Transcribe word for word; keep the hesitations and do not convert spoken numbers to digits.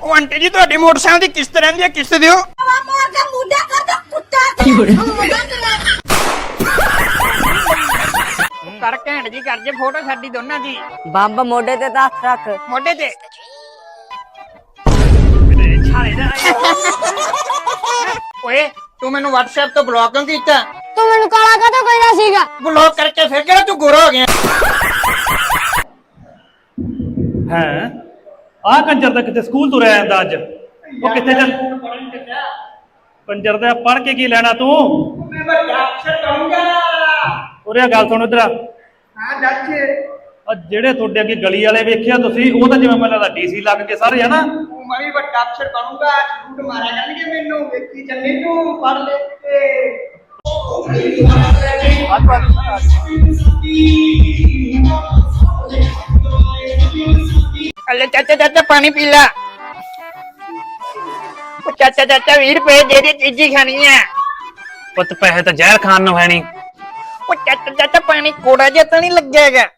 ਉਹ ਆਂਟੀ ਜੀ ਤੁਹਾਡੀ ਮੋਟਰਸਾਈਕਲ ਦੀ ਕਿਸ਼ਤ ਰਹਿੰਦੀ ਹੈ, ਕਿਸ਼ਤ ਦਿਓ। ਮਾਰ ਕੇ ਮੁੰਡਾ ਕਰ ਦੋ ਕੁੱਤਾ ਕਰ ਘੈਂਟ ਜੀ ਕਰ ਜੇ ਫੋਟੋ ਸਾਡੀ ਦੋਨਾਂ ਦੀ। ਬੰਬ ਮੋਢੇ ਤੇ ਤਾਂ ਹੱਥ ਰੱਖ। ਮੋਢੇ ਤੇ ਛਾਲੇ ਦਾ ਓਏ ਤੂੰ ਮੈਨੂੰ WhatsApp ਤੋਂ ਬਲੌਕ ਕਿਉਂ ਕੀਤਾ? ਤੂੰ ਮੈਨੂੰ ਕਾਲਾ ਕਾਹਤੋਂ ਕਹਿੰਦਾ ਸੀਗਾ? ਬਲੌਕ ਕਰਕੇ ਫਿਰ ਕਿਹੜਾ ਤੂੰ ਗੋਰਾ ਹੋ ਗਿਆ? ਹੈ ਆਹ ਕੰਜਰ ਦਾ ਕਿਤੇ ਸਕੂਲ ਤੁਰਿਆ ਜਾਂਦਾ ਅੱਜ। ਉਹ ਕਿੱਥੇ ਚੱਲ ਕੰਜਰ ਦਾ ਪੜ੍ਹ ਕੇ ਕੀ ਲੈਣਾ ਤੂੰ? ਮੈਂ ਵੱਡਾ ਅਫਸਰ ਬਣੂੰਗਾ। ਉਰੇ ਗੱਲ ਸੁਣ ਇਧਰ। ਹਾਂ ਦੱਸ। ਆ ਜਿਹੜੇ ਤੁਹਾਡੇ ਅੱਗੇ ਗਲੀ ਵਾਲੇ ਵੇਖਿਆ ਤੁਸੀਂ, ਉਹ ਤਾਂ ਜਿਵੇਂ ਮੈਨੂੰ ਲੱਗਦਾ ਡੀਸੀ ਲੱਗ ਕੇ ਸਾਰੇ ਹਨਾ। ਮੈਂ ਵੀ ਵੱਡਾ ਅਫਸਰ ਬਣੂੰਗਾ, ਝੂਠ ਮਾਰਿਆ ਕਰਨਗੇ ਮੈਨੂੰ, ਵੇਖੀ ਚੱਲੇ ਤੂੰ ਪੜ੍ਹ ਲੈ ਕੇ। ਅੱਲੇ ਚਾਚਾ ਚਾਚਾ ਪਾਣੀ ਪੀ ਲੈ। ਉਹ ਚਾਚਾ ਚਾਚਾ ਵੀਹ ਰੁਪਏ ਦੇ ਦੇ, ਚੀਜ਼ੀ ਖਾਣੀ ਹੈ। ਪੁੱਤ ਪੈਸੇ ਤਾਂ ਜ਼ਹਿਰ ਖਾਣ ਨੂੰ ਹੈ ਨਹੀਂ। ਉਹ ਚਾਚਾ ਚਾਚਾ ਪਾਣੀ ਕੋੜਾ ਜਿਹਾ ਤਾਂ ਨਹੀਂ ਲੱਗਿਆ ਹੈਗਾ?